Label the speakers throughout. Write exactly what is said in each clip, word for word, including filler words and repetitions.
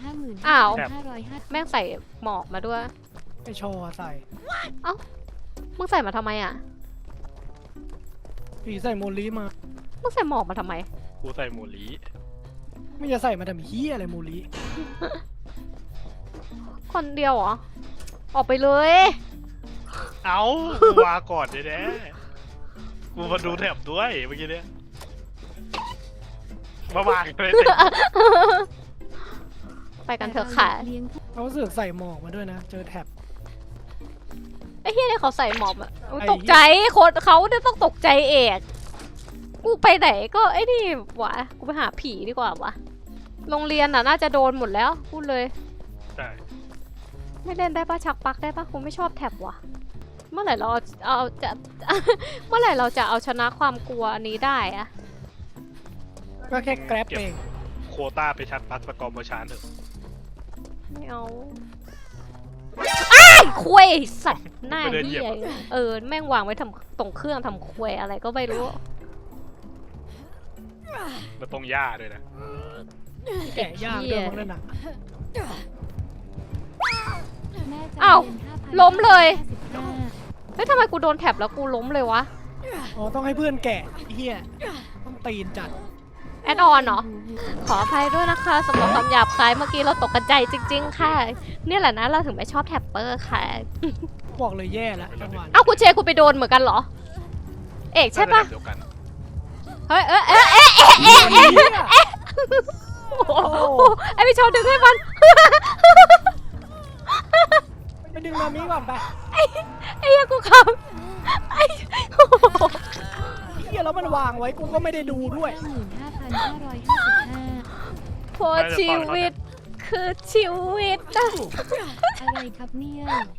Speaker 1: ห้าหมื่น
Speaker 2: อ้าว
Speaker 1: ห้าร้อยห้า
Speaker 2: แม่งใส่หมอกมาด้วย
Speaker 3: ไอชอใส่
Speaker 2: เอ้ามึงใส่มาทำไมอ่ะ
Speaker 3: ผีใส่โมลีมา
Speaker 2: มึงใส่หมอกมาทำไม
Speaker 4: กูใส่หมูลี
Speaker 3: ไม่จะใส่มาทำเฮียอะไรโมลี
Speaker 2: คนเดียวเหรอออกไปเลย
Speaker 4: เอ้ากูมาก่อนเลยแน่กูมาดูแถบด้วยเมื่อกี้เนี้ยมาวางเลย
Speaker 2: ไปกันเถอะค่ะ
Speaker 1: เลี้ยงผู้
Speaker 3: เขาเสือกใส่หมอกมาด้วยนะ เจอแท็บ
Speaker 2: ไอ้เฮียเนี่ยเขาใส่หมอกอะอุ๊ย
Speaker 3: ไอ้
Speaker 2: ตกใจคนเขาเนี่ยต้องตกใจเอกกูไปไหนก็ไอ้นี่วะกูไปหาผีดีกว่าวะโรงเรียนน่ะน่าจะโดนหมดแล้วพูดเลย
Speaker 4: ใช่
Speaker 2: ไม่เล่นได้ปะชักปลักได้ปะกูไม่ชอบแท็บว่ะเมื่อไหร่เราเอาจะ เมื่อไหร่เราจะเอาชนะความกลัวอันนี้ได้อะ
Speaker 3: ก็แค่แกร็บเอง
Speaker 4: โควต้าไปชัดปักประกอบเมอร์ชานเถอะ
Speaker 2: ไม่เอาอ้ายคุยสัตว์หน้าเหี้ยเออแม่งวางไว้ทำตรงเครื่องทำคุยอะไรก็ไม่รู้
Speaker 4: มันตรงหญ้าด้วยนะ
Speaker 3: แกะย่างเดิมมั้งนั่นน่ะ
Speaker 1: แม่จะ
Speaker 2: อ้าว
Speaker 1: เรียนห้าพัน
Speaker 2: ล้มเลย
Speaker 1: ห้าสิบห้า
Speaker 2: เฮ้ยทำไมกูโดนแท็บแล้วกูล้มเลยวะ
Speaker 3: อ๋อต้องให้เพื่อนแกะเฮียต้องตีนจัด
Speaker 2: แอดออนเหรอ ขออภัยด้วยนะคะสำหรับคำหยาบคายเมื่อกี้เราตกกระจายจริงๆค่ะ เนี่ยแหละนะเราถึงไม่ชอบแท็บเปอร์ค่ะ
Speaker 3: บอกเลยแย่แล้วจังหวะ
Speaker 2: เอ้าคุณเชคุณไปโดนเหมือนกันเหรอ เอกใช่ปะ
Speaker 4: เดียวกัน
Speaker 2: เฮ้ยเอ๊ะเอ๊ะเอ๊ะเอ๊ะเอ๊ะเอ๊ะเอ๊ะโอ้โหไอพี่ชาวดึงให้มัน
Speaker 3: ไปดึงมามีก่อนไป
Speaker 2: ไอ้เหี้ยกูขับไอ้โอ้โห
Speaker 3: เฮียแล้วมันวางไว้กูก็ไม่ได้ดูด้วย
Speaker 1: ห้าหมื่นห้าพันห้าร้อยห้าสิบห้า
Speaker 2: พอชีวิตคือชีวิตนะ
Speaker 1: อะไรครับเนี่ย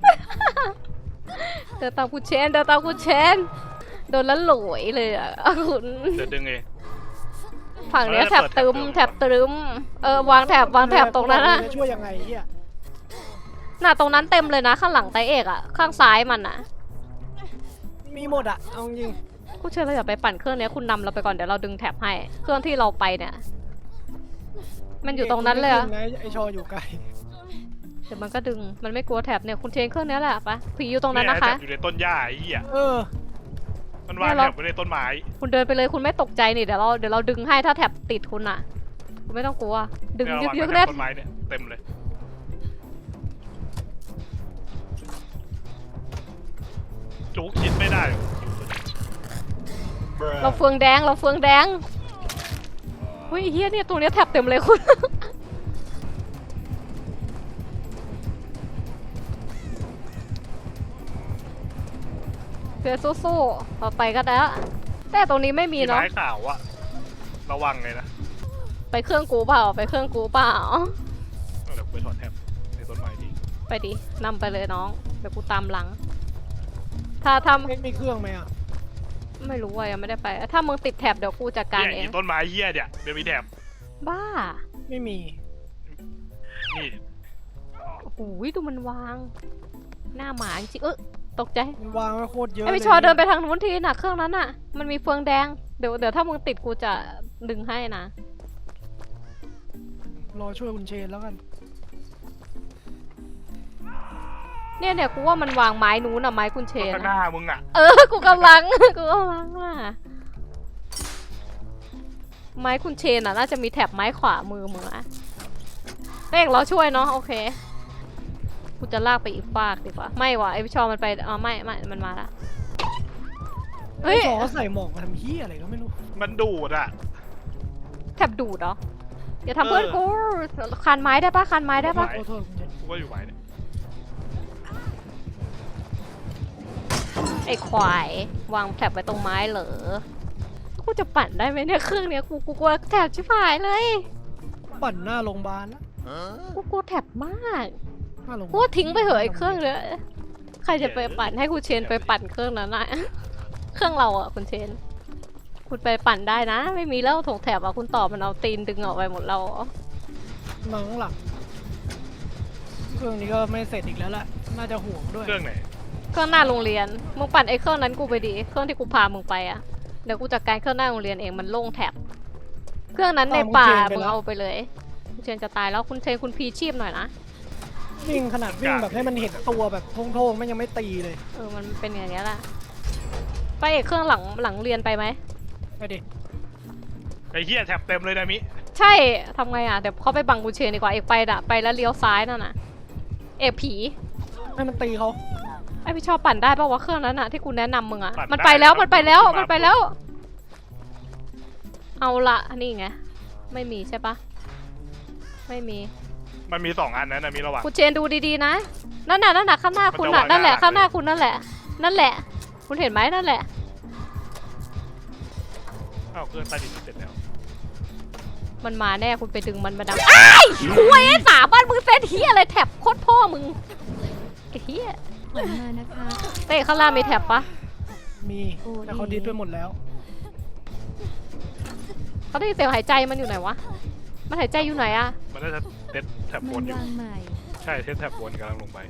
Speaker 2: เดินตามกูเชนเดินตามกูเชนโดนแล้วหลวยเลยอ่ะคุณ
Speaker 4: เดี๋ยวดึงเอง
Speaker 2: ฝั่งเนี้ยแถบตึมแถบตึมเออวางแถบวางแถบตรงนั้นอะ
Speaker 3: จะช่วยยังไงเฮีย
Speaker 2: น่ะตรงนั้นเต็มเลยนะข้างหลังไตเอกอะข้างซ้ายมันอะ
Speaker 3: มีหมดอะเอาจริง
Speaker 2: กูเชื่อเราอย่าไปปั่นเครื่องเนี้ยคุณนำเราไปก่อนเดี๋ยวเราดึงแถบให้เครื่องที่เราไปเนี่ยมันอยู่ตรงนั้นเลยอะ
Speaker 3: ไอชออยู่ไกล
Speaker 2: เดี๋ยวมันก็ดึงมันไม่กลัวแถบเนี่ยคุณเชนเครื่องเนี้ยแหละปะผีอยู่ตรงนั้นนะคะ
Speaker 4: แถบอยู่ในต้นหญ้าไอ้เหี้ย
Speaker 3: เออ
Speaker 4: มันวางแถบไว้ในต้นไม้
Speaker 2: คุณเดินไปเลยคุณไม่ตกใจนี่เดี๋ยวเราเดี๋ยวเราดึงให้ถ้าแถบติดคุณอะคุณไม่ต้องกลัวดึง
Speaker 4: เนี่
Speaker 2: ยึ
Speaker 4: ยว
Speaker 2: ก
Speaker 4: วาง
Speaker 2: ยึก
Speaker 4: ไว้
Speaker 2: เล่น
Speaker 4: แถบต้นไม้เนี่ยเต็มเลยจุกคิดไม่ได้
Speaker 2: เราเฟืองแดงเราเฟืองแดงเฮ้ยเฮียเนี่ยตรงเนี้ยแถบเต็มเลยคุณ เพื่อสู้ๆต่อไปก็ได้แต่ตรงนี้ไม่มี
Speaker 4: มี
Speaker 2: เนาะ
Speaker 4: ไม้ขาวอะระวังเลยนะ
Speaker 2: ไปเครื่องกูเปล่าไปเครื่องกูเปล่า
Speaker 4: เดี๋ยวไปถอดแถบในต้นไม้ดี
Speaker 2: ไปดินำไปเลยน้องเดี๋ยวกูตามหลัง ถ้าท
Speaker 3: เอ็กมีเครื่องไหมอ่ะ
Speaker 2: ำไม่รู้ว่ายังไม่ได้ไป ถ้ามึงติดแถบเดี๋ยวกูจัดการ
Speaker 4: เนี่ย
Speaker 2: เอ
Speaker 4: อี
Speaker 2: ง
Speaker 4: ต้นไม้เหี้ยเนี่ยเดี๋ยวมีแถบ
Speaker 2: บ้า
Speaker 3: ไม่มี
Speaker 4: นี่
Speaker 2: โอ้โหดูมันวาง หน้าหมาจริงๆเออตกใจ
Speaker 3: มันวางไว้โคตรเยอะ
Speaker 2: ไอพี่ชอเดินไปทางนู้นทีน่ะเครื่องนั้นน่ะ มันมีเฟืองแดงเดี๋ยวเดี๋ยวถ้ามึงติดกูจะดึงให้นะ
Speaker 3: รอช่วยคุณเชนแล้วกัน
Speaker 2: เนี่ยเนี่ยกูว่ามันวางไม้นู้นอ่ะไม้กุนเชน
Speaker 4: ข้างห
Speaker 2: อะ
Speaker 4: น้ามึงอะ
Speaker 2: เออ กูกำลัง กูกำลังอ่ะ ไม้คุณเชนอ่ะน่าจะมีแถบไม้ขวามือมึงอะเร่งเราช่วยเนาะโอเค กูจะลากไปอีกฟากดีกว่า ไม่ว่ะไอพี่ชอมันไปอ๋อไม่ไม่มันมาละเฮ้ย
Speaker 3: ไอชอใส่หมอกมาทำเฮียอะไรก็ไม่รู้
Speaker 4: มันดูดอะ
Speaker 2: แถบดูดเหรออย่าทำเพื่อนกูคานไม้ได้ปะคานไม้ได้ปะ
Speaker 3: ขอโทษคุณเชน
Speaker 4: กูก็อยู่ไม้เนี่ย
Speaker 2: ไอควายวางแถบไว้ตรงไม้เหรอ กูจะปั่นได้ไหมเนี่ยเครื่องเนี้ยกูกูกลัวแถบชิบหายเลย
Speaker 3: ปั่นหน้าโรงพยาบาลนะ
Speaker 2: กูกลัวแถบมาก
Speaker 3: หน้าโรงพยา
Speaker 2: กู
Speaker 3: บาล
Speaker 2: ทิ้งไปเหอะไอ้เครื่องเลยใครจะไปปั่นให้คุณเชนไปปั่นเครื่องนั้นอะเครื่องเราอะคุณเชน คุณไปปั่นได้นะ ไม่มีแล้วถงแถบอะคุณตอบมันเอาตีนดึงออกไปหมดเราอะ
Speaker 3: น้องหลังเครื่องนี้ก็ไม่เสร็จอีกแล้วแหละน่าจะห่วงด้วย
Speaker 4: เครื่องไหน
Speaker 2: เครื่องหน้าโรงเรียนมึงปั่นไอ้เครื่องนั้นกูไปดีเครื่องที่กูพามึงไปอะเดี๋ยวกูจัดการเครื่องหน้าโรงเรียนเองมันโล่งแถบเครื่องนั้นในป่ามึงเอาไปเลยเชนจะตายแล้วคุณเชนคุณพีชีพหน่อยนะ
Speaker 3: วิ่งขนาดวิ่งแบบให้มันเห็นตัวแบบโท่งๆมันยังไม่ตีเลย
Speaker 2: เออมันเป็นอย่างนี้ยแหละไปเอกเครื่องหลังหลังเรียนไปไหม
Speaker 3: ไปดิ
Speaker 4: ไอ้เหี้ยแถบเต็มเลยนะมิ
Speaker 2: ใช่ทำไงอ่ะเดี๋ยวเขาไปบังคุณเชนดีกว่าเอกไปด่ะไปแล้วเลี้ยวซ้ายนั่นน่ะเอกผี
Speaker 3: ให้มันตีเขา
Speaker 2: ไอพี่ชอบปั่นได้ป่าวว่าเครื่องนั้นอะที่กูแนะนำมึงอะมันไปแล้วมันไปแล้วมันไปแล้ว เอาละนี่ไงไม่มีใช่ปะไม่มี
Speaker 4: มันมีสองอันนั้นนะมีระหว่าง
Speaker 2: คุณเชนดูดีๆนะนั่นน่ะนั่นน่ะข้างหน้าคุณน่ะนั่นแหละข้างหน้าคุณนั่นแหละ นั่นแหละ คุณเห็นไหมนั่นแหละ
Speaker 4: อ้าวเครื่องใต้ดินเสร็จแล้ว
Speaker 2: มันมาแน่คุณไปดึงมันมาดังไอ้คุยไอ้สาบ้านมึงเซตเฮียอะไรแถบโคตรพ่อมึงไอ้เฮีย
Speaker 1: ขวัญมานะคะ
Speaker 2: เตะข้างล่างมีแถบปะ
Speaker 3: มีแต่เขาดิสไปหมดแล้ว
Speaker 2: เขาได้ยินเสียงหายใจมันอยู่ไหนวะมันหายใจอยู่ไหนอะ
Speaker 4: มันน่าจะเต็ดแถบบ
Speaker 1: มัน น
Speaker 4: อยู่
Speaker 1: วางใหม่
Speaker 4: ใช่เทสแถบบนกำลังลงไป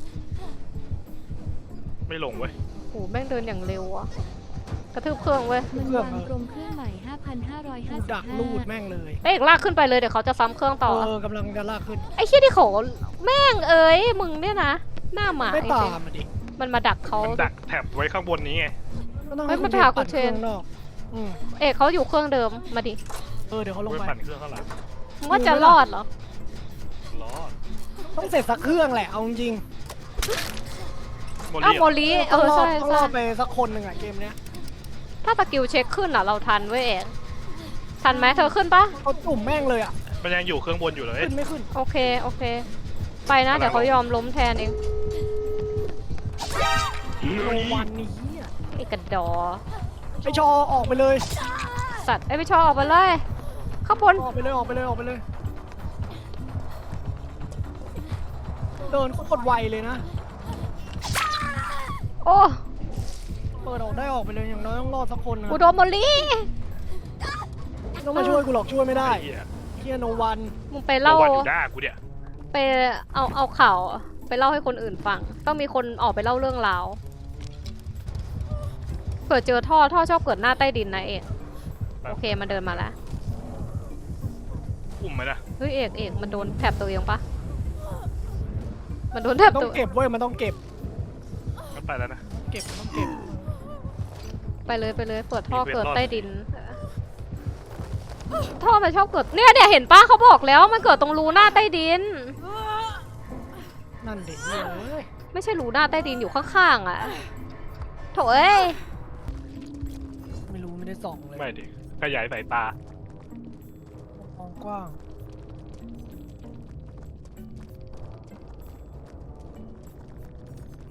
Speaker 4: ไม่ลงเว้ย
Speaker 2: โหแม่งเดินอย่างเร็วอะกระทืบเครื่องเว้ย
Speaker 1: มันวางกลมเครื่องใหม่ ห้าพันห้าร้อยห้า
Speaker 3: กู
Speaker 1: สิบ
Speaker 3: ดัก
Speaker 1: ห้า
Speaker 3: ลูดแม่งเลย
Speaker 2: เอ้ยลากขึ้นไปเลยเดี๋ยวเขาจะซ้ำเครื่องต่อ
Speaker 3: เออกำลังจะลากขึ้น
Speaker 2: ไอ้เหี้ยที่เขาแม่งเอ้ยมึงเนี่ยนะหน้าหมา
Speaker 3: ไม่
Speaker 2: จริ
Speaker 3: ตาง มมาดิ
Speaker 2: ๆมันมาดักเขา
Speaker 4: มันดักแถบไว้ข้างบนนี้ไง
Speaker 3: ก็ต้อง
Speaker 2: เฮ้
Speaker 3: ให้
Speaker 2: ย
Speaker 3: คุ
Speaker 2: มั
Speaker 3: ณ
Speaker 2: น
Speaker 3: เช
Speaker 2: ไปหาน คุ
Speaker 3: ปัด
Speaker 2: ณ
Speaker 3: เค
Speaker 2: เช
Speaker 3: รื่
Speaker 2: น
Speaker 3: องนอกอืม
Speaker 2: เอกเขาอยู่เครื่องเดิมมาดิ
Speaker 3: เออเดี๋ยวเขาลง
Speaker 4: ไว้
Speaker 3: ไป
Speaker 4: ปั่นเครื่องข้างหลัง
Speaker 2: มึงว่าจะรอดเหรอ
Speaker 4: ล้อ
Speaker 3: ต้องเสร็จสักเครื่องแหละเอาจริง
Speaker 4: โม
Speaker 2: อ้าว
Speaker 4: ลี่
Speaker 2: โมลีเออ
Speaker 3: ต้องรอ
Speaker 2: ใช่
Speaker 3: ดต้องร
Speaker 2: ใช่
Speaker 3: อดไปสักคนหนึ่งอะเกมเนี้ย
Speaker 2: ถ้าสกิลเช็คขึ้นอ่ะเราทันเว้ยเอกทันไหมเธอขึ้นปะ
Speaker 3: เขาจุ่มแม่งเลยอะ
Speaker 4: มันยังอยู่เครื่องบนอยู่เลย
Speaker 3: ขึ้นไม่ขึ้น
Speaker 2: โอเคโอเค ไปนะเดี๋ยวเขายอมล้มแทนเอง
Speaker 3: โนวันนี่เหี้ย
Speaker 2: ไอ้กระดอ
Speaker 3: ไอชอออกไปเลย
Speaker 2: สัตว์ไอ้พี่ชอบออกไปเลยข้างบน
Speaker 3: ออกไปเลยออกไปเลยออกไปเลย เดินโคตรไวเลยนะ
Speaker 2: โอ้
Speaker 3: เปิดออกได้ออกไปเลยอย่างน้อยต้องรอดสักคนนะ
Speaker 2: กูโดนโมลี
Speaker 3: ไม่ต้องมาช่วยกูหรอกช่วยไม่ได้
Speaker 4: ไอ้เหี้ย
Speaker 3: เฮียโนวัน
Speaker 2: มึงไป
Speaker 4: เล่า
Speaker 2: เล่า
Speaker 4: วันอยู่หน้ากูเนี่ย
Speaker 2: ไปเอาเอาข่าวไปเล่าให้คนอื่นฟัง ต้องมีคนออกไปเล่าเรื่องราวเกิดเจอท่อท่อชอบเกิดหน้าใต้ดินนะเอกโอเคมันเดินมาแล้ว
Speaker 4: อุ้มไหมนะ
Speaker 2: เฮ้ยเอกเอกมันโดนแถบตัวเองปะมันโดนแถบ
Speaker 3: ต้อ
Speaker 2: ตัว
Speaker 3: งเก็บเว้ยมันต้องเก็บ
Speaker 4: มันไปแล้วนะ
Speaker 3: เก็บมันต้องเก็บ
Speaker 2: ไปเลยไปเลยเปิดท่อ
Speaker 4: มีเวท
Speaker 2: เกิด
Speaker 4: รอด
Speaker 2: ใต้ดินท่อมันชอบเกิดเนี่ยเนี่ยเห็นปะเขาบอกแล้วมันเกิดตรงรูหน้าใต้ดิน
Speaker 3: นั่นเด็กเลย
Speaker 2: ไม่ใช่รูหน้าใต้ดินอยู่ข้างๆอ่ะโถเอ้ย
Speaker 3: ไม่รู้ไม่ได้ส่องเลย
Speaker 4: ไม่ดิขยายสายตา
Speaker 3: มองกว้าง